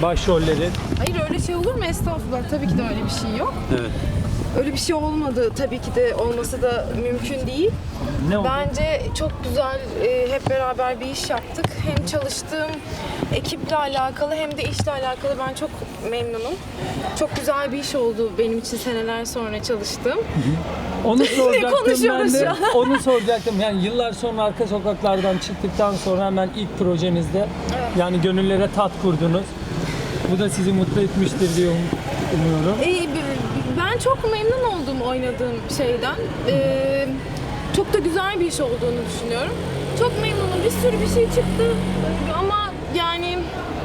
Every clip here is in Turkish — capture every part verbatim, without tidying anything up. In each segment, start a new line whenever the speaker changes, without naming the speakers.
başrolleri.
Hayır öyle şey olur mu? Estağfurullah. Tabii ki de öyle bir şey yok.
Evet.
Öyle bir şey olmadı. Tabii ki de olması da mümkün değil.
Ne oldu?
Bence çok güzel e, hep beraber bir iş yaptık. Hem çalıştığım ekiple alakalı hem de işle alakalı ben çok memnunum. Çok güzel bir iş oldu benim için seneler sonra çalıştığım.
Onu soracaktım ben
konuşuyoruz
de.
şu an?
Onu soracaktım. Yani yıllar sonra Arka Sokaklardan çıktıktan sonra hemen ilk projenizde
Evet.
yani gönüllere tat kurdunuz. Bu da sizi mutlu etmiştir diye um- umuyorum.
E, b- ben çok memnun oldum oynadığım şeyden. E, çok da güzel bir iş olduğunu düşünüyorum. Çok memnunum. Bir sürü bir şey çıktı ama yani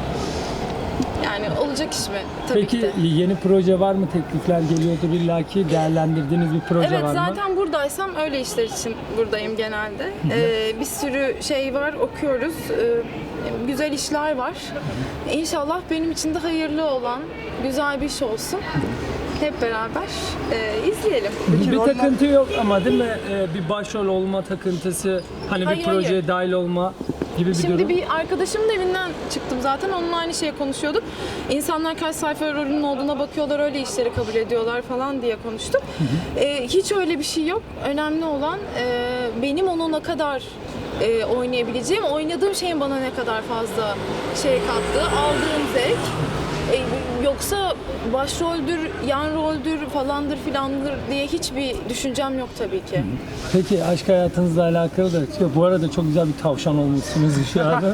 yani olacak iş mi? Tabii
Peki
ki de.
yeni proje var mı? Teklifler geliyordur illaki. Değerlendirdiğiniz bir proje
Evet
var mı?
zaten buradaysam öyle işler için buradayım genelde. Ee, bir sürü şey var, okuyoruz. Ee, güzel işler var. İnşallah benim için de hayırlı olan güzel bir iş olsun. Hep beraber e, izleyelim.
Bir takıntı yok ama değil mi? Ee, bir başrol olma takıntısı, hani
Hayır,
bir projeye
hayır.
dahil olma gibi bir
Şimdi
durum.
bir arkadaşımın evinden çıktım zaten. Onunla aynı şeye konuşuyorduk. İnsanlar kaç sayfa rolünün olduğuna bakıyorlar, öyle işleri kabul ediyorlar falan diye konuştuk. Ee, hiç öyle bir şey yok. Önemli olan e, benim onu ne kadar e, oynayabileceğim, oynadığım şeyin bana ne kadar fazla şey kattığı, aldığım zevk. E, yoksa başroldür, yan roldür falandır filandır diye hiçbir düşüncem yok tabii ki.
Peki aşk hayatınızla alakalı da bu arada çok güzel bir tavşan olmuşsunuz şu anda.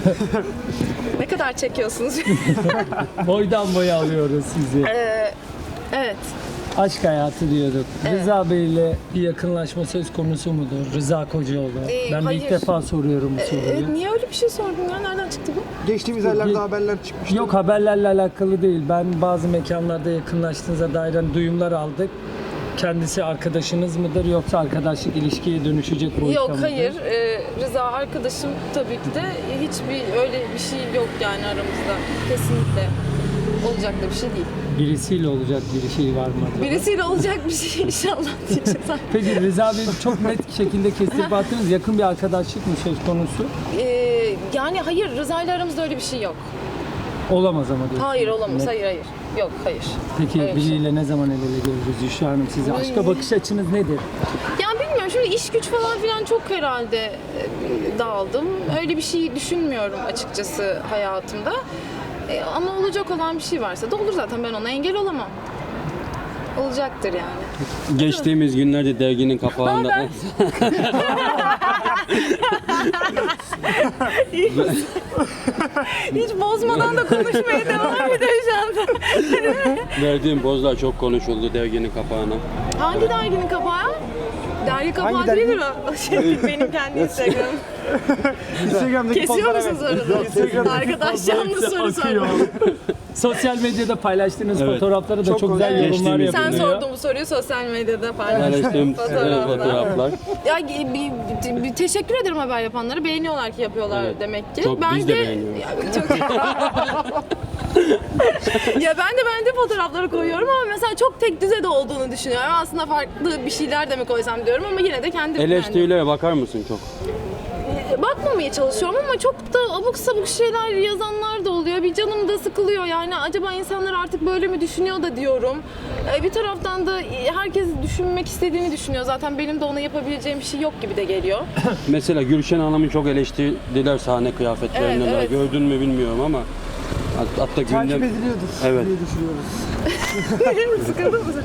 Ne kadar çekiyorsunuz?
Boydan boya alıyoruz sizi.
Ee, evet.
Aşk hayatı diyorduk. Rıza Bey ile bir yakınlaşma söz konusu mudur? Rıza Kocaoğlu.
Ee,
ben de ilk
hayır.
defa soruyorum bu soruyu.
Ee, niye öyle bir şey sordun ya? Nereden çıktı bu?
Geçtiğimiz aylarda haberler çıkmıştı.
Yok, haberlerle alakalı değil. Ben bazı mekanlarda yakınlaştığınıza dair hani duyumlar aldık. Kendisi arkadaşınız mıdır yoksa arkadaşlık ilişkiye dönüşecek boyutta
Yok
mıdır?
hayır. Ee, Rıza arkadaşım tabii ki de hiçbir öyle bir şey yok yani aramızda. Kesinlikle. Olacak da bir şey değil.
Birisiyle olacak bir şey var mı acaba?
Birisiyle olacak bir şey inşallah diyeceğim.
Peki Rıza Bey çok net şekilde kestirip attınız. Yakın bir arkadaşlık mı söz konusu?
Ee, yani hayır Rıza ile aramızda öyle bir şey yok.
Olamaz ama diyorsunuz.
Hayır olamaz.
Net.
Hayır hayır. Yok hayır.
Peki
Öyle bir şey.
biriyle ne zaman el ele görürüz Yuşa Hanım size? Aşka bakış açınız nedir?
Ya bilmiyorum şimdi iş güç falan filan çok herhalde e, dağıldım. Öyle bir şey düşünmüyorum açıkçası hayatımda. E, ama olacak olan bir şey varsa da olur zaten, ben ona engel olamam. Olacaktır yani.
Geçtiğimiz günlerde derginin kapağında
Hiç bozmadan da konuşmaya devam ediyor şu anda.
verdiğim pozlar çok konuşuldu derginin kapağına.
Hangi derginin kapağı? Dergi kapağı
Hangi dergi?
değildir o. Şey, benim kendi Instagram'ım.
Instagram'daki
Kesiyor
pozlara
musunuz
bak.
orada? Arkadaş canlı soru soruyor.
Sosyal medyada paylaştığınız
Evet.
fotoğraflara da çok,
Çok
güzel
güzel.
yorumlar
Geçtiğimiz
Sen
yapılıyor.
sordun bu soruyu sosyal medyada paylaştım.
Paylaştığım
Fotoğraflar.
fotoğraflar.
Ya bir, bir, bir teşekkür ederim haber yapanlara. Beğeniyorlar ki yapıyorlar
Evet.
demek ki.
Çok,
ben
biz de beğeniyoruz.
Ya, çok... ya ben de ben de fotoğrafları koyuyorum ama mesela çok tek düze de olduğunu düşünüyorum. Aslında farklı bir şeyler de mi koysam diyorum ama yine de kendim
Eleştirilere bakar mısın çok?
yani. Bakmamaya çalışıyorum ama çok da abuk sabuk şeyler yazanlar da oluyor. Bir canım da sıkılıyor yani. Acaba insanlar artık böyle mi düşünüyor da diyorum. Ee, Bir taraftan da herkes düşünmek istediğini düşünüyor. Zaten benim de ona yapabileceğim bir şey yok gibi de geliyor.
Mesela Gülşen Hanım'ı çok eleştirdiler sahne kıyafetlerinden.
Evet, evet.
Gördün mü bilmiyorum ama hat- hatta
Takip
gündem...
ediliyordur
Evet.
diye düşünüyoruz.
Sıkıldın mı?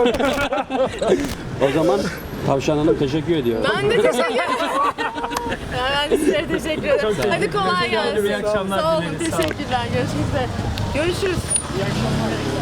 O zaman Tavşan Hanım teşekkür ediyor.
Ben de teşekkür ederim. Ben de size teşekkür ederim. Hadi kolay gelsin.
İyi akşamlar
Sağ olun,
dileriz. Sağ olun.
teşekkürler. Görüşmek üzere. Görüşürüz.
İyi akşamlar.